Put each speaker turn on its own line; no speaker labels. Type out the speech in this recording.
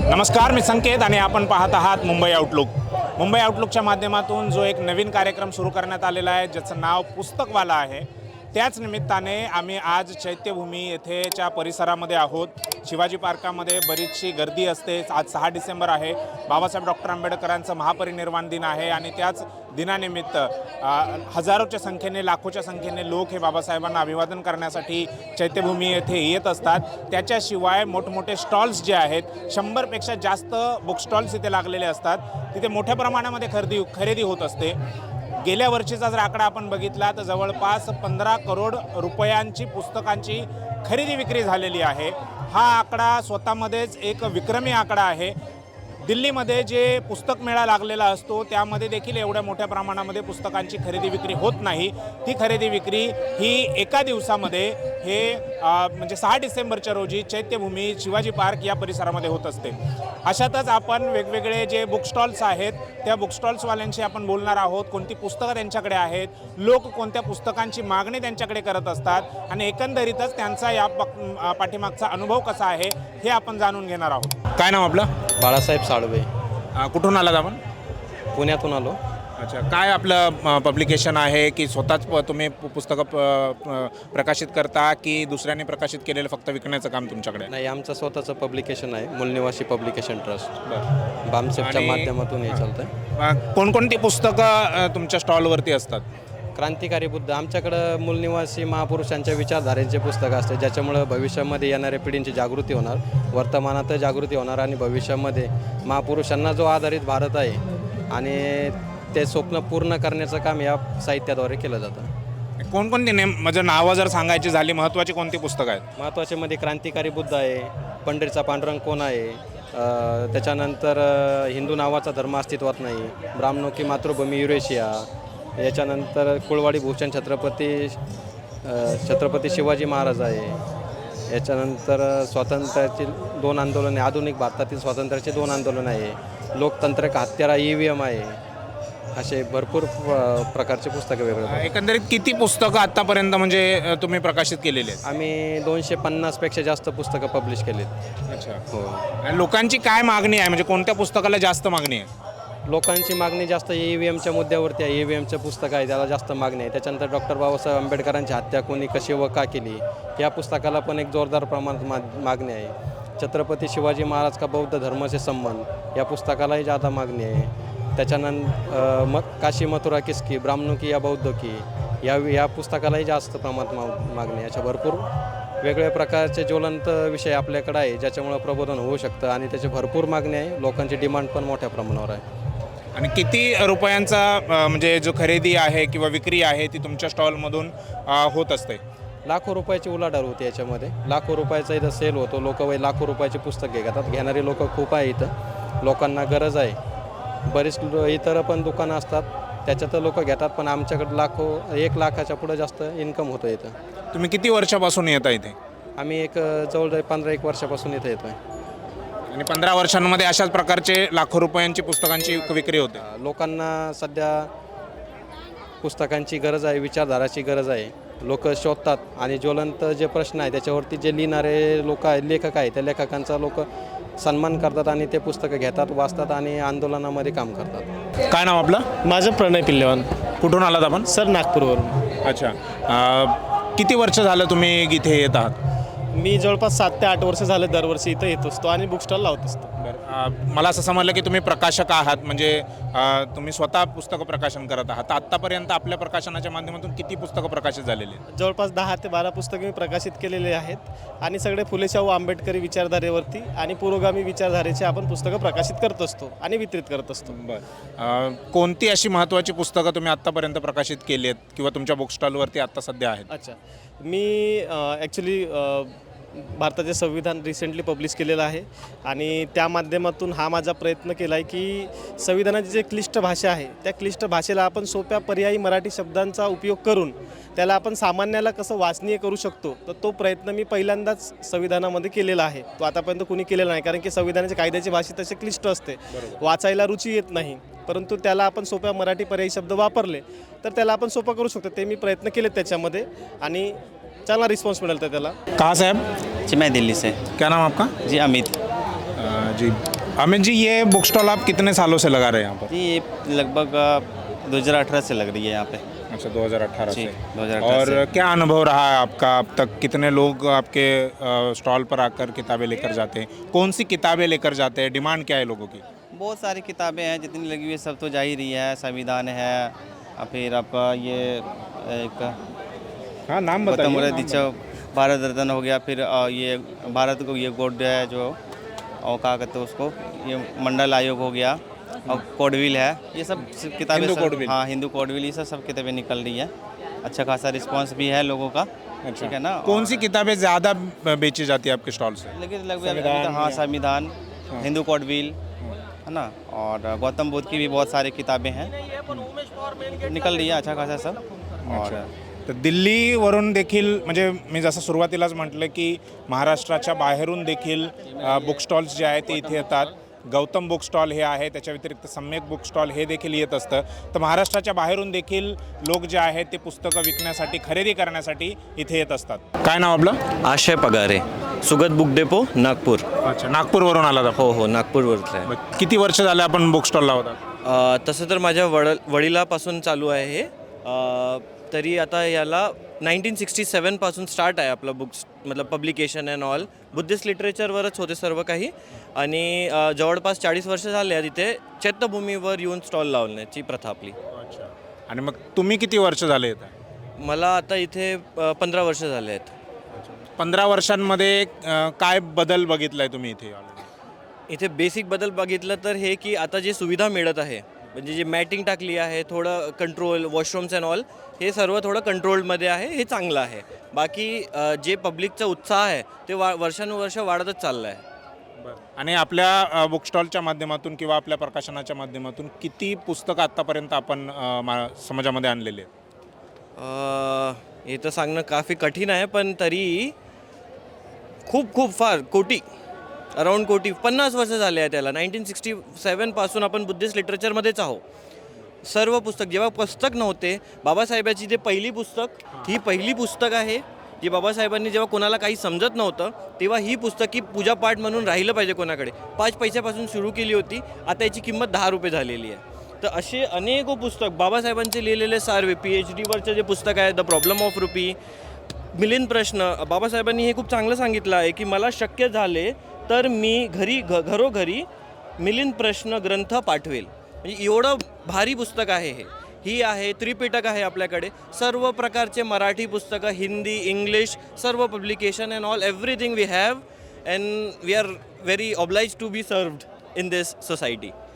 नमस्कार, मी संकेत आणि आपण पाहत आहात मुंबई आउटलुक. मुंबई आउटलुकच्या माध्यमातून जो एक नवीन कार्यक्रम सुरू करण्यात आलेला आहे, ज्याचं नाव पुस्तकवाला आहे, त्याच निमित्ताने आम्ही आज चैत्यभूमी येथेच्या परिसरामध्ये आहोत. शिवाजी पार्कामध्ये बरीचशी गर्दी असते. आज 6 डिसेंबर आहे, बाबासाहेब डॉक्टर आंबेडकरांचं महापरिनिर्वाण दिन आहे आणि त्याच दिनानिमित्त हजारोच्या संख्येने, लाखोच्या संख्येने लोक हे बाबासाहेबांना अभिवादन करण्यासाठी चैत्यभूमी येथे येत असतात. त्याच्याशिवाय मोठमोठे स्टॉल्स जे आहेत, 100पेक्षा जास्त बुक स्टॉल्स इथे लागलेले असतात. तिथे मोठ्या प्रमाणामध्ये खरेदी होत असते. गेल्या वर्षीचा जर आकडा आपण बघितला तर जवळपास 15 करोड रुपयांची पुस्तकांची खरेदी विक्री झालेली आहे. हा आकडा स्वतःमध्येच एक विक्रमी आकडा आहे. दिल्लीमध्ये जे पुस्तक मेळा लागलेला असतो त्यामध्ये देखील एवढ्या मोठ्या प्रमाणामध्ये पुस्तकांची खरेदी विक्री होत नाही. ती खरेदी विक्री ही एका दिवसामध्ये हे म्हणजे 6 डिसेंबरच्या रोजी चैत्यभूमी, शिवाजी पार्क या परिसरामध्ये होत असते. अशातच आपण वेगवेगळे जे बुक स्टॉल्स आहेत त्या बुक स्टॉल्सवाल्यांशी आपण बोलणार आहोत. कोणती पुस्तकं त्यांच्याकडे आहेत, लोक कोणत्या पुस्तकांची मागणी त्यांच्याकडे करत असतात आणि एकंदरीतच त्यांचा या पाठीमागचा अनुभव कसा आहे हे आपण जाणून घेणार आहोत. काय नाव आपलं?
बाळासाहेब साळवे.
कुठून आलात आपण?
पुण्यातून आलो.
अच्छा, काय आपलं पब्लिकेशन आहे की स्वतःच तुम्ही पुस्तकं प्रकाशित करता की दुसऱ्यांनी प्रकाशित केलेलं फक्त विकण्याचं काम तुमच्याकडे?
नाही, आमचं स्वतःचं पब्लिकेशन आहे, मूलनिवासी पब्लिकेशन ट्रस्ट.
बरं.
बामसेपच्या माध्यमातून हे चालतं आहे.
कोणकोणती पुस्तकं तुमच्या स्टॉलवरती असतात?
क्रांतिकारी बुद्ध, आमच्याकडं मूलनिवासी महापुरुषांच्या विचारधारेचे पुस्तकं असते, ज्याच्यामुळं भविष्यामध्ये येणाऱ्या पिढींची जागृती होणार, वर्तमानात जागृती होणार आणि भविष्यामध्ये महापुरुषांना जो आधारित भारत आहे आणि ते स्वप्न पूर्ण करण्याचं काम या साहित्याद्वारे केलं जातं.
कोणकोणती म्हणजे नावं जर सांगायची झाली, महत्त्वाची कोणती पुस्तकं आहेत?
महत्त्वाच्यामध्ये क्रांतिकारी बुद्ध आहे, पंढरीचा पांडुरंग कोण आहे, त्याच्यानंतर हिंदू नावाचा धर्म अस्तित्वात नाही, ब्राह्मणोकी मातृभूमी युरेशिया, याच्यानंतर कुळवाडी भूषण छत्रपती शिवाजी महाराज आहे, याच्यानंतर स्वातंत्र्याची 2 आंदोलने, आधुनिक भारतातील स्वातंत्र्याची 2 आंदोलनं आहे, लोकतंत्र का हत्यारा EVM आहे, असे भरपूर प्रकारचे पुस्तकं वेगळे.
एकंदरीत किती पुस्तकं आत्तापर्यंत म्हणजे तुम्ही प्रकाशित केलेली आहेत?
आम्ही 250पेक्षा जास्त पुस्तकं पब्लिश केलीत.
अच्छा.
हो.
आणि लोकांची काय मागणी आहे, म्हणजे कोणत्या पुस्तकाला जास्त मागणी आहे?
लोकांची मागणी जास्त EVMच्या मुद्द्यावरती आहे. EVMचं पुस्तक आहे, त्याला जास्त मागणी आहे. त्याच्यानंतर डॉक्टर बाबासाहेब आंबेडकरांची हत्या कोणी, कशी व का केली, या पुस्तकाला पण एक जोरदार प्रमाणात मागणी आहे. छत्रपती शिवाजी महाराज का बौद्ध धर्माचे संबंध, या पुस्तकालाही जादा मागणी आहे. त्याच्यानंतर काशी मथुरा किसकी, ब्राह्मणोकी या बौद्धकी, या पुस्तकालाही जास्त प्रमाणात मागणी आहे. अशा भरपूर वेगवेगळ्या प्रकारचे ज्वलंत विषय आपल्याकडे आहे, ज्याच्यामुळं प्रबोधन होऊ शकतं आणि त्याची भरपूर मागणी आहे. लोकांची डिमांड पण मोठ्या प्रमाणावर आहे.
आणि किती रुपयांचा म्हणजे जो खरेदी आहे किंवा विक्री आहे ती तुमच्या स्टॉलमधून होत असते?
लाखो रुपयाची उलाढाल होते याच्यामध्ये. लाखो रुपयाचा इथं सेल होतो. लोक लाखो रुपयाचे पुस्तक घेतात. घेणारे लोक खूप आहे इथं. लोकांना गरज आहे. बरीच इतर पण दुकानं असतात, त्याच्यात लोक घेतात, पण आमच्याकडे 1 लाखाच्या पुढं जास्त इन्कम होतं इथं.
तुम्ही किती वर्षापासून येता इथे?
आम्ही जवळ 15-1 वर्षापासून इथे येतो आहे.
आणि 15 वर्षांमध्ये अशाच प्रकारचे लाखो रुपयांची पुस्तकांची विक्री होते.
लोकांना सध्या पुस्तकांची गरज आहे, विचारधाराची गरज आहे. लोक शोधतात आणि ज्वलंत जे प्रश्न आहे त्याच्यावरती जे लिहिणारे लोक आहेत, लेखक आहेत, त्या लेखकांचा लोक सन्मान करतात आणि ते पुस्तकं घेतात, वाचतात आणि आंदोलनामध्ये काम करतात.
काय नाव आपलं?
माझं प्रणय पिल्लेवान.
कुठून आलात आपण?
सर, नागपूरवरून.
अच्छा. किती वर्ष झालं तुम्ही इथे येत आहात?
मी जवळपास 7 ते 8 वर्ष झाले दरवर्षी इथं येत असतो आणि बुक स्टॉल लावत असतो.
मला असं समजलं की तुम्ही प्रकाशक आहात, म्हणजे तुम्ही स्वतः पुस्तकं प्रकाशन करत आहात. आत्तापर्यंत आपल्या प्रकाशनाच्या माध्यमातून किती पुस्तकं प्रकाशित झालेली आहेत?
जवळपास 10 ते 12 पुस्तके मी प्रकाशित केलेले आहेत आणि सगळे फुले शाहू आंबेडकरी विचारधारेवरती आणि पुरोगामी विचारधारेचे आपण पुस्तकं प्रकाशित करत असतो आणि वितरित करत असतो.
बरं. कोणती अशी महत्त्वाची पुस्तकं तुम्ही आत्तापर्यंत प्रकाशित केली आहेत किंवा तुमच्या बुक स्टॉलवरती आत्ता सध्या आहेत?
अच्छा, मी ॲक्च्युली भारताचे संविधान रिसेंटली पब्लिश केलेलं आहे आणि त्या माध्यमातून हा माझा प्रयत्न केला आहे की संविधानाची जे क्लिष्ट भाषा आहे त्या क्लिष्ट भाषेला आपण सोप्या पर्यायी मराठी शब्दांचा उपयोग करून त्याला आपण सामान्याला कसं वाचनीय करू शकतो, तर तो प्रयत्न मी पहिल्यांदाच संविधानामध्ये केलेला आहे. तो आतापर्यंत कुणी केलेला नाही, कारण की संविधानाच्या कायद्याची भाषा तशी क्लिष्ट असते, वाचायला रुची येत नाही. परंतु त्याला आपण सोप्या मराठी पर्यायी शब्द वापरले तर त्याला आपण सोपं करू शकतो. ते मी प्रयत्न केले त्याच्यामध्ये आणि चांगला रिस्पॉन्स मिळाला त्याला.
कहाँ से आप?
जी मैं दिल्ली से।
क्या नाम आपका?
जी अमित।
जी, अमित जी, ये बुक स्टॉल आप कितने सालों से लगा रहे हैं यहाँ पर?
जी ये लगभग 2018 से लग रही है यहाँ पे।
अच्छा, 2018
जी,
से।
2018
और
से।
क्या अनुभव रहा है आपका अब तक? कितने लोग आपके स्टॉल पर आकर किताबें लेकर जाते हैं? कौन सी किताबें लेकर जाते हैं? डिमांड क्या है लोगों की?
बहुत सारी किताबें हैं, जितनी लगी हुई है सब तो जा ही रही है। संविधान है, और फिर आपका ये एक
हाँ, नाम
गौतम
बताइए।
बुद्ध दीक्षा भारत रत्न हो गया, फिर ये भारत को ये गोल्ड है जो, और क्या कहते हैं उसको, ये मंडल आयोग हो गया, और कोडविल है, ये सब किताबें
हिंदू
सब-
कोडविल।
हाँ, हिंदू कोडविल, ये सब किताबें निकल रही है। अच्छा खासा रिस्पांस भी है लोगों का। ठीक है ना।
कौन सी किताबें ज़्यादा बेची जाती है आपके स्टॉल से?
लेकिन लगभग
संविधान
हाँ,
या-
संविधान, हिंदू कोडविल है ना, और गौतम बुद्ध की भी बहुत सारी किताबें हैं, निकल रही है अच्छा खासा सब। और
तर दिल्लीवरून देखील, म्हणजे मी जसं सुरुवातीलाच म्हटलं की महाराष्ट्राच्या बाहेरून देखील बुक स्टॉल्स जे आहेत ते इथे येतात. गौतम बुक स्टॉल हे आहे, त्याच्या व्यतिरिक्त सम्यक बुक स्टॉल हे देखील येत असतं. तर महाराष्ट्राच्या बाहेरून देखील लोक जे आहेत ते पुस्तकं विकण्यासाठी, खरेदी करण्यासाठी इथे येत असतात. काय नाव आपलं?
आशय पगारे, सुगत बुक डेपो, नागपूर.
अच्छा, नागपूरवरून आला आपण.
हो हो, नागपूरवरचं आहे.
किती वर्ष झाले आपण बुक स्टॉल लावतात?
तसं तर माझ्या वडिलापासून चालू आहे हे. तरी आता याला 1967 पासून स्टार्ट आहे आपलं बुक्स, मतलब पब्लिकेशन अँड ऑल. बुद्धिस्ट लिटरेचरवरच होते सर्व काही. आणि जवळपास 40 वर्ष झाले आहेत इथे चैत्यभूमीवर येऊन स्टॉल लावण्याची प्रथा आपली.
अच्छा. आणि मग तुम्ही किती वर्ष झाले येत आहे?
मला आता इथे 15 वर्ष झाले आहेत.
15 वर्षांमध्ये काय बदल बघितलाय तुम्ही इथे?
इथे बेसिक बदल बघितलं तर हे की आता जे सुविधा मिळत आहे, म्हणजे जे मॅटिंग टाकली आहे, थोडं कंट्रोल, वॉशरूम्स अँड ऑल, हे सर्व थोडं कंट्रोलमध्ये आहे, हे चांगलं आहे. बाकी जे पब्लिकचा उत्साह आहे ते वर्षानुवर्ष वाढतच चाललं आहे.
आणि आपल्या बुक स्टॉलच्या माध्यमातून किंवा आपल्या प्रकाशनाच्या माध्यमातून किती पुस्तकं आत्तापर्यंत आपण समाजामध्ये आणलेली आहेत?
हे तर सांगणं काफी कठीण आहे, पण तरी खूप खूप फार कोटी, अराऊंड कोटी, 50 वर्ष झाले आहे त्याला. 1967 पासून आपण बुद्धिस्ट लिटरेचरमध्येच आहोत. सर्व पुस्तक, जेव्हा पुस्तक नव्हते, बाबासाहेबाची जे पहिली पुस्तक, ही पहिली पुस्तक आहे जी बाबासाहेबांनी, जेव्हा कोणाला काही समजत नव्हतं तेव्हा ही पुस्तकी पूजापाठ म्हणून राहिलं पाहिजे कोणाकडे, 5 पैशापासून सुरू केली होती. आता याची किंमत 10 रुपये झालेली आहे. तर असे अनेक पुस्तक बाबासाहेबांचे लिहिलेले सार्वे, PhDवरचं जे पुस्तक आहे the problem of rupee, Milind प्रश्न, बाबासाहेबांनी हे खूप चांगलं सांगितलं आहे की मला शक्य झाले तर मी घरोघरी मिलिंद प्रश्न ग्रंथ पाठवेल. म्हणजे एवढं भारी पुस्तक आहे हे. ही आहे त्रिपिटक आहे आपल्याकडे, सर्व प्रकारचे मराठी पुस्तकं, हिंदी, इंग्लिश, सर्व publication and all, everything we have, and we are very oblige to be served in this society.